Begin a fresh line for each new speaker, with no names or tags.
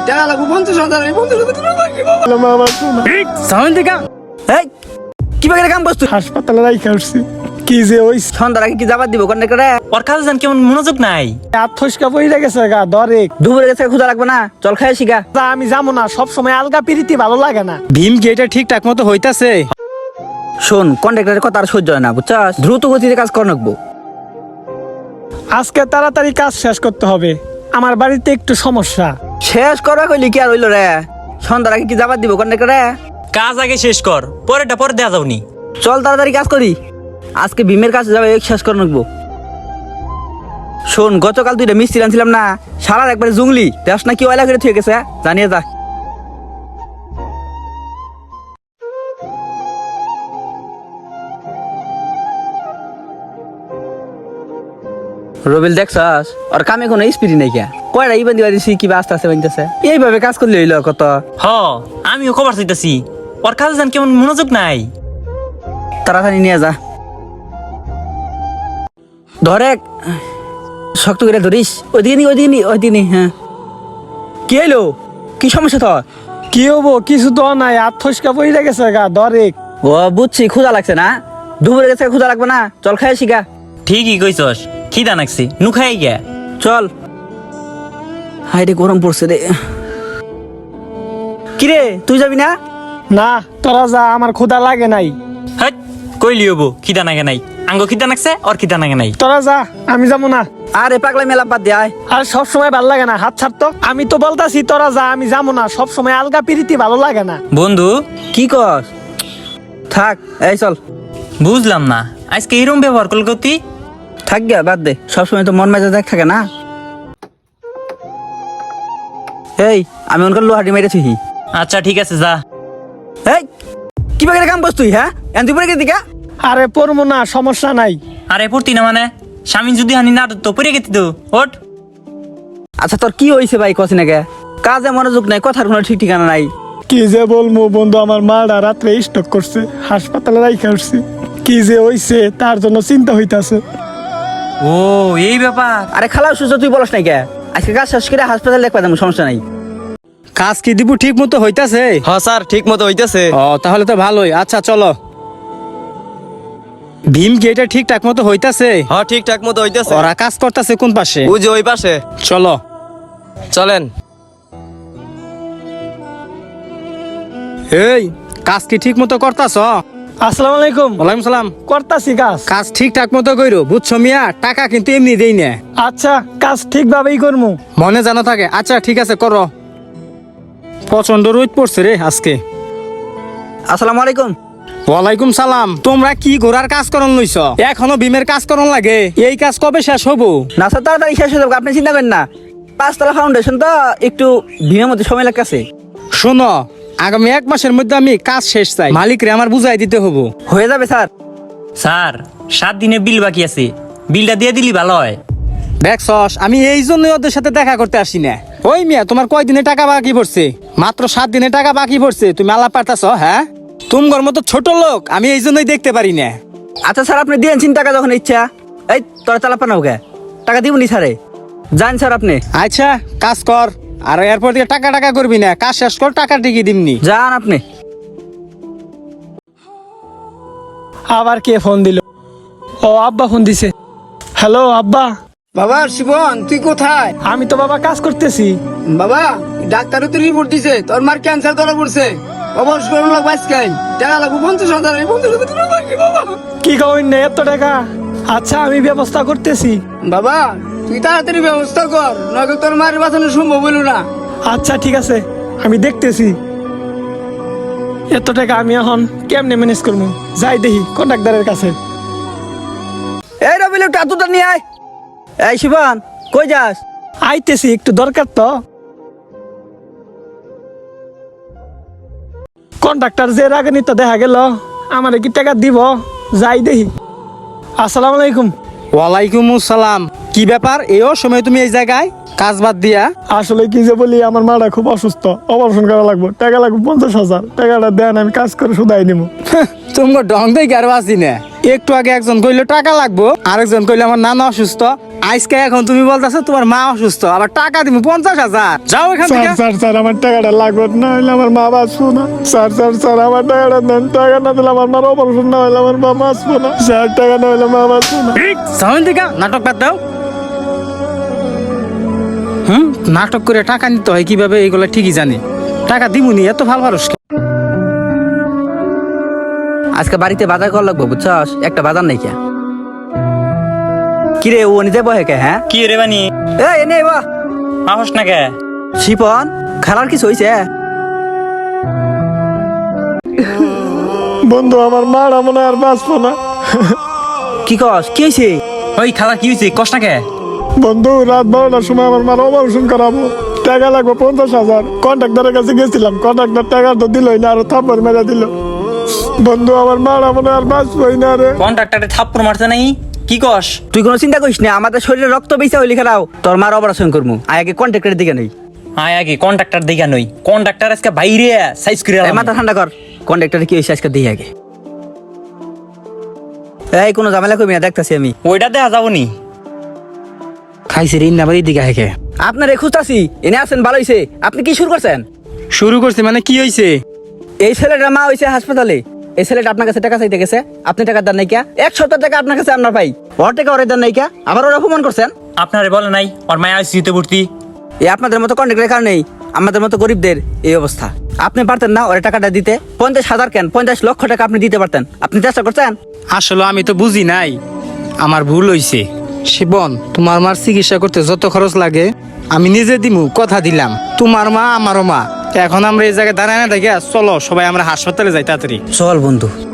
টাকা লাগবে 50,000 এই 50,000 টাকা লাগবে বাবা আমার শোনা
সাউন্ড দেখা
এই কি বাগের কাম বস্তু
হাসপাতালে রাইখা আসছি কি যে ওই
সন্ধ্যার আগে কি যাবার দিব কন্ট্রাক্টরে
ওর কাছে যান কেমন মনোযোগ নাই
আত্মস্কা পইরা গেছে গা দরে
দুপুরে গেছে ক্ষুধা লাগবে না চল খাই শিখা
তা আমি যাবো না সব সময় আলগা পিরিতি ভালো লাগে না
ভীম কি এটা ঠিকঠাক মতো হইতাছে
শোন কন্ট্রাক্টরের কথা আর সহ্য হয় না বুঝছস দ্রুত গতিতে কাজ কর নাকবো
আজকে তাড়াতাড়ি কাজ শেষ করতে হবে আমার বাড়িতে একটু সমস্যা
শেষ করবা কইলি কি আর হইলো রে সন্ধ্যার আগে কি যাবার দিব কন্ট্রাক্টরে
কাজ আগে শেষ কর পরেটা পরে দেয়া যাওনি
চল তাড়াতাড়ি কাজ করি আজকে ভীমের কাছে যাবে শেষ করে নাকবো শোন গতকাল তুই মিস্ত্রি আনছিলাম না সারার একবারে জুংলি দেখ না কি ওয়লা করে থুয়ে গেছে জানিয়ে যা রবিল দেখছস আর কামে কোনো স্পিড নাই কে কয়টা ইবান্দি বাড়িছি কিবা আস্তে আস্তে বানতেছে এইভাবে কাজ করলে হইলো কত
হ আমিও খবর চাইতাছি ওর কাছে যান কেমন মনোযোগ নাই
তাড়াতাড়ি নিয়ে যা ধরে শক্ত করে ধরিস ওইদিকে নি হ্যাঁ কি এলো কি সমস্যা তোর
কি হবো কিছু তো নাই আত্মস্কা পইরা গেছে গা দরে
ও বুঝছি ক্ষুধা লাগছে না দুপুরে গেছে ক্ষুধা লাগবে না চল খাই শিখা
ঠিকই কইছস খিদা নাকছি নু খাই গিয়া
চল হাই রে গরম পড়ছে রে কিরে তুই যাবি না
না তোরা যা আমার ক্ষুধা লাগে নাই
হাট কইলি হবো খিদা নাগে নাই আঙ্গ খিদা নাকছে ওর খিদা নাগে নাই
তোরা যা আমি যাবো না
আরে পাগলা মেলা বাদ দে আয়
আর সব সময় ভালো লাগে না হাত ছাড়তো আমি তো বলতাছি তোরা যা আমি যাবো না সব সময় আলগা পিরিতি ভালো লাগে না
বন্ধু
কি কর থাক এই চল
বুঝলাম না আজকে এরম ব্যবহার করল তুই
থাক গিয়া বাদ দে সবসময় তো মন মেজাজ এক থাকে না এই আমি ওনকার লোহাটি মেরেছি
আচ্ছা ঠিক আছে যা
এই কি বাগের কাম বস তুই হ্যাঁ এন তুই পরে গেছি কা
আরে পড়বো না সমস্যা নাই
আরে পড়তি না মানে স্বামী যদি হানি না তো পড়ে গেতি তো ওঠ
আচ্ছা তোর কি হইছে ভাই কছি না কে কাজে মনোযোগ নাই কথার কোনো ঠিক ঠিকানা নাই
কি যে বলবো বন্ধু আমার মারা রাত্রে স্টক করছে হাসপাতালে রাইখা আসছি কি যে হইছে তার জন্য চিন্তা হইতাছে
ও এই ব্যাপার
আরে খালা সুস্থ তুই বলস নাই কে আজকে কাজ শেষ করে হাসপাতালে দেখবা যাবো সমস্যা নাই
কাজ কি দিব ঠিক মতো হইতাছে
হ্যাঁ স্যার ঠিক মতো হইতেছে।
ও তাহলে তো ভালোই আচ্ছা চলো ভীম কি এটা ঠিকঠাক মতো হইতাছে
হ্যাঁ ঠিকঠাক মতো হইতেছে।
ওরা কাজ করতেছে কোন পাশে
ওই যে ওই পাশে
চলো
চলেন।
এই কাজ কি ঠিক মতো করতাছ
আসসালামু আলাইকুম
ওয়ালাইকুম সালাম
করতাছি কাজ
কাজ ঠিকঠাক মতো কইরো বুঝছো মিয়া টাকা কিন্তু এমনি দেই না
আচ্ছা কাজ ঠিকভাবেই করবো
মনে জানা থাকে আচ্ছা ঠিক আছে করো প্রচন্ড রোদ পড়ছে রে আজকে
আসসালামু আলাইকুম
ওয়ালাইকুম সালাম তোমরা কি ঘোড়ার কাজ করন লইছ এখনো ভীমের কাজ করন লাগে এই কাজ কবে শেষ হবো
না স্যার তাড়াতাড়ি শেষ হয়ে যাবে আপনি চিন্তা করেন না 5 তলা ফাউন্ডেশন তো একটু ভীমের মধ্যে সময় লাগতেছে
শোনো আগামী 1 মাসের মধ্যে আমি কাজ শেষ চাই মালিকরে আমার বুঝাই দিতে হবো
হয়ে যাবে স্যার
স্যার 7 দিনের বিল বাকি আছে বিলটা দিয়ে দিলি ভালো হয় দেখছস আমি এই জন্যই ওদের সাথে দেখা করতে আসি না ওই মিয়া তোমার কয় দিনে টাকা বাকি পড়ছে মাত্র 7 দিনে টাকা বাকি পড়ছে তুমি আলাপ পারতাছ হ্যাঁ তোমার মতো ছোট লোক আমি এই জন্যই দেখতে পারি না
আচ্ছা স্যার আপনি দিয়েছেন টাকা যখন ইচ্ছা এই তোরা চালাপা না ওকে টাকা দিবনি স্যারে যান স্যার আপনি
আচ্ছা কাজ কর আর এরপর দিয়ে টাকা টাকা করবি না কাজ শেষ কর টাকা টিকি দিমনি
যান আপনি
আবার কে ফোন দিল ও আব্বা ফোন দিছে হ্যালো আব্বা
বাবা শিবন তুই কোথায়?
আমি তো বাবা কাজ করতেছি
বাবা ডাক্তারও তো রিপোর্ট দিছে তোর মার ক্যান্সার ধরা পড়ছে অবশ্য করুন লাগবে আজকাল টাকা লাগবে 50,000 এই 50,000 টাকা লাগবে বাবা
কি কইন না এত টাকা আচ্ছা আমি ব্যবস্থা করতেছি
বাবা তুই তাড়াতাড়ি ব্যবস্থা কর নয়তো তোর মার বাঁচানো সম্ভব হইল না।
আচ্ছা ঠিক আছে আমি দেখতেছি এত টাকা আমি এখন কেমনে ম্যানেজ করবো যাই দেখি কন্ট্রাক্টরের কাছে
এই রবিল একটু আতুটা নিয়ে আয় এই শিবান কই যাস
আইতেছি একটু দরকার তো কন্ট্রাক্টর যে রাগানি তো দেখা গেল আমার কি টাকা দিব যাই দেখি আসসালামু আলাইকুম
ওয়ালাইকুম আসসালাম কি ব্যাপার এই সময় তুমি এই জায়গায় কাজ বাদ দিয়া
আসলে কি যে বলি, আমার মাটা খুব অসুস্থ, অপারেশন করা লাগবে, টাকা লাগবে 50,000। টাকাটা দেন, আমি কাজ করে শুধাই নিবো।
তোমার ঢং দেখে আরো আসি না। একটু আগে একজন কইলো টাকা লাগবো, আরেকজন কইলো আমার নানা অসুস্থ। আজকে এখন তুমি বলতেছো তোমার মা অসুস্থ, আবার টাকা দিব 50,000। যাও এখান
স্যার
থেকে।
স্যার স্যার, আমার টাকাটা লাগবে, না হলে আমার মা বাঁচবো না। স্যার স্যার স্যার, আমার টাকাটা দেন। টাকা না দিলে আমার মার অপারেশন না হলে আমার মা বাঁচবো না। স্যার, টাকা না হলে মা বাঁচবো না।
সাউন্ড দিকা নাটক বাদ দাও। নাটক করে টাকা নিতে হয় কিভাবে এইগুলো ঠিকই জানি। টাকা দিবনি, এত ভালো মানুষ।
আজকে বাড়িতে বাজার করা লাগবো, বুঝছস? একটা বাজার নাই কে। কিরে ও নিজে বহে কে? হ্যাঁ
কি রে বানি,
এ এনে বা
আহস না কে?
শিপন খেলার কিছু হয়েছে?
বন্ধু, আমার মারা মনে হয় আর বাঁচবো না।
কি কস? কি হয়েছে?
ওই খালা কি হয়েছে, কষ্ট না কে?
বন্ধু, রাত 12টার সময় আমার মার অপারেশন করাবো, টাকা লাগবে 50,000। কন্ট্রাক্টরের কাছে গেছিলাম, কন্ট্রাক্টর টাকা তো দিলই না, আরো থাপ্পড় মেরে দিল। বন্ধু, আমার মারা মনে হয় আর বাঁচবোই না রে।
কন্ট্রাক্টরে থাপ্পড় মারতে নাই? কি কস?
তুই কোনো চিন্তা করিস না, আমাদের শরীরে রক্ত বেঁচে হইলি খারাও তোর মার অপারেশন করবো। আগে কন্ট্রাক্টরের দিকে নেই।
আয় আগে কন্ট্রাক্টর দেখা নই, কন্ট্রাক্টর আজকে বাইরে সাইজ করে
এই মাথা ঠান্ডা কর, কন্ট্রাক্টরে কি হয়েছে আজকে দিই আগে। এই কোনো ঝামেলা করবি না, দেখতাছি আমি।
ওইটা দেখা যাবো নি।
খাইছে ঋণ না বাড়ির দিকে হেঁকে আপনার খুঁজতাছি। এনে আছেন, ভালো হয়েছে। আপনি কি শুরু করছেন?
শুরু করছি মানে কি হয়েছে?
এই ছেলেটার মা হয়েছে হাসপাতালে। এই ছেলেটা আপনার কাছে টাকা চাইতে গেছে, আপনি টাকা দেন নাই কিয়া? 1 সপ্তাহ টাকা আপনার কাছে আপনার ভাই, ওর টাকা ওরে দেন নাই কিয়া? আবার ওরা অপমান করছেন।
আপনারে বলে নাই ওর মায়া আইসিইউতে ভর্তি?
এই আপনাদের মতো কন্ট্রাক্টের কারণেই আমাদের মতো গরিবদের এই অবস্থা। আপনি পারতেন না ওরে টাকাটা দিতে? 50,000 কেন, 50 লক্ষ টাকা আপনি দিতে পারতেন। আপনি চেষ্টা করছেন?
আসলে আমি তো বুঝি নাই, আমার ভুল হইছে। শিবন, তোমার মার চিকিৎসা করতে যত খরচ লাগে আমি নিজে দিমু, কথা দিলাম। তোমার মা আমারও মা। এখন আমরা এই জায়গায় দাঁড়ায় না দেখে চলো সবাই আমরা হাসপাতালে যাই তাড়াতাড়ি।
চল বন্ধু।